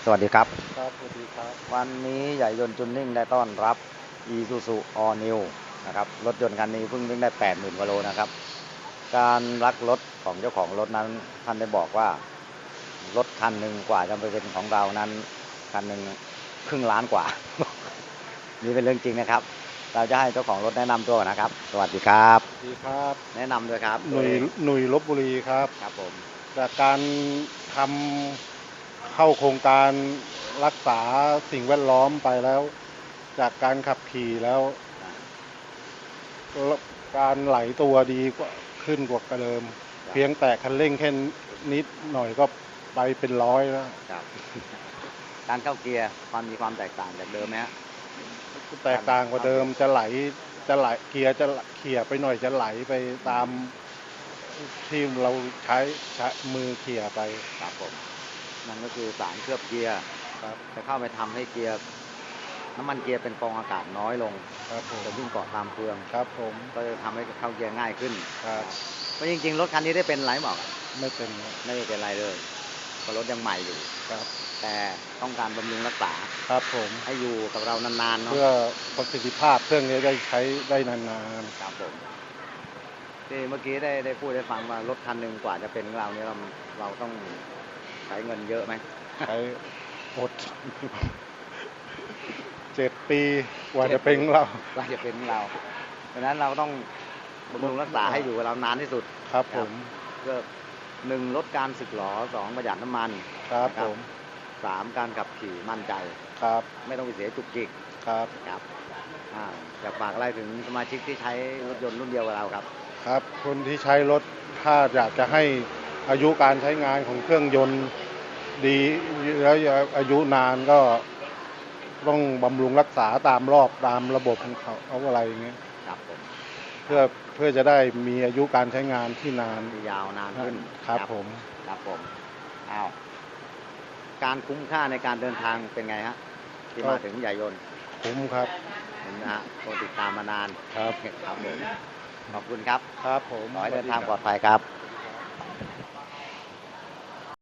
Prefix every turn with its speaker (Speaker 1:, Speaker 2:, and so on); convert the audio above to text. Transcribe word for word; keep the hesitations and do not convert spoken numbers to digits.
Speaker 1: สวัสดีครับ
Speaker 2: ครับสวัสดีครับ
Speaker 1: วันนี้ใหญ่ยนต์จุนนิ่งได้ต้อนรับ Isuzu All New นะครับรถยนต์คันนี้เพิ่งวิ่งได้ แปดหมื่น กว่าโลนะครับการรักรถของเจ้าของรถนั้นท่านได้บอกว่ารถคันหนึ่งกว่าจะไปเป็นของเรานั้นคันหนึ่งครึ่งล้านกว่า นี่เป็นเรื่องจริงนะครับเราจะให้เจ้าของรถแนะนำตัวนะครับสวัสดีครับ
Speaker 2: สวัสดีครับ
Speaker 1: แนะนำด้วยครับ
Speaker 2: หนุ่ยหนุ่ยลพบุรีครับ
Speaker 1: ครับผม
Speaker 2: จากการทำเข้าโครงการรักษาสิ่งแวดล้อมไปแล้ว จากการขับขี่แล้วการไหลตัวดีกว่าขึ้นกว่าเดิม เพียงแต่คันเร่งแค่นิดหน่อยก็ไปเป็นร้อยแล้ว
Speaker 1: ครับการเข้าเกียร์ความมีความแตกต่างจากเดิมไหมฮะ
Speaker 2: แตกต่างกว่าเดิมจะไหลจะไหลเกียร์จะเขี่ยไปหน่อยจะไหลไปตามที่เราใช้ใช้มือเขี่ยไป
Speaker 1: ครับผมนั่นก็คือสารเคลือบเกียร์
Speaker 2: ครับ
Speaker 1: จะเข้าไปทำให้เกียร์น้ำมันเกียร์เป็นฟองอากาศน้อยลง
Speaker 2: ครับผม
Speaker 1: จะวิ่งเกาะตามเฟือง
Speaker 2: ครับผม
Speaker 1: ก็จะทำให้เข้าเกียร์ง่ายขึ้น
Speaker 2: ครับ
Speaker 1: เพราะจริงๆรถคันนี้ได้เป็นไรหมอก
Speaker 2: ไม่เป็น
Speaker 1: ไม่เป็นไรเลยเพราะรถยังใหม่อยู่
Speaker 2: ครับ
Speaker 1: แต่ต้องการบำรุงรักษา
Speaker 2: ครับผม
Speaker 1: ให้อยู่กับเรานานๆเนาะ
Speaker 2: เพื่อประสิทธิภาพเครื่องนี้ได้ใช้ได้นาน
Speaker 1: ๆครับผมที่เมื่อกี้ได้ได้พูดให้ฟังว่ารถคันหนึ่งกว่าจะเป็นของเราเนี่ยเราเราต้องใช้เงินเยอะไหม
Speaker 2: ใช้อดเจ็ดปีกว่าจะเป็นของเรา
Speaker 1: กว่าจะเป็นของเราดังนั้นเราต้องบำรุงรักษาให้อยู่กับเรานานที่สุด
Speaker 2: ครับผม
Speaker 1: เพื่อหนึ่งลดการสึกหรอสองประหยัดน้ำมัน
Speaker 2: ครับผม
Speaker 1: สามการขับขี่มั่นใจ
Speaker 2: ครับ
Speaker 1: ไม่ต้องไปเสียจุกจิก
Speaker 2: ครับ
Speaker 1: ครับอยากฝากอะไรถึงสมาชิกที่ใช้รถยนต์รุ่นเดียวกับเราครับ
Speaker 2: ครับคนที่ใช้รถถ้าอยากจะให้อายุการใช้งานของเครื่องยนต์ดีแล้วอายุนานก็ต้องบำรุงรักษาตามรอบตามระบบของเขาเอาอะไรอย่างเงี้ย
Speaker 1: ครับผม
Speaker 2: เพื่อเพื่อจะได้มีอายุการใช้งานที่นาน
Speaker 1: ที่ยาวนานขึ้น
Speaker 2: ครับผม
Speaker 1: ครับผมอ้าวการคุ้มค่าในการเดินทางเป็นไงฮะที่มาถึงใหญ่ยนต์
Speaker 2: คุ้มครับ
Speaker 1: เห็นนะฮะคนติดตามมานาน
Speaker 2: ครับ
Speaker 1: ครับผมขอบคุณครับ
Speaker 2: ครับผม
Speaker 1: ขอให้เดินทางปลอดภัยครับ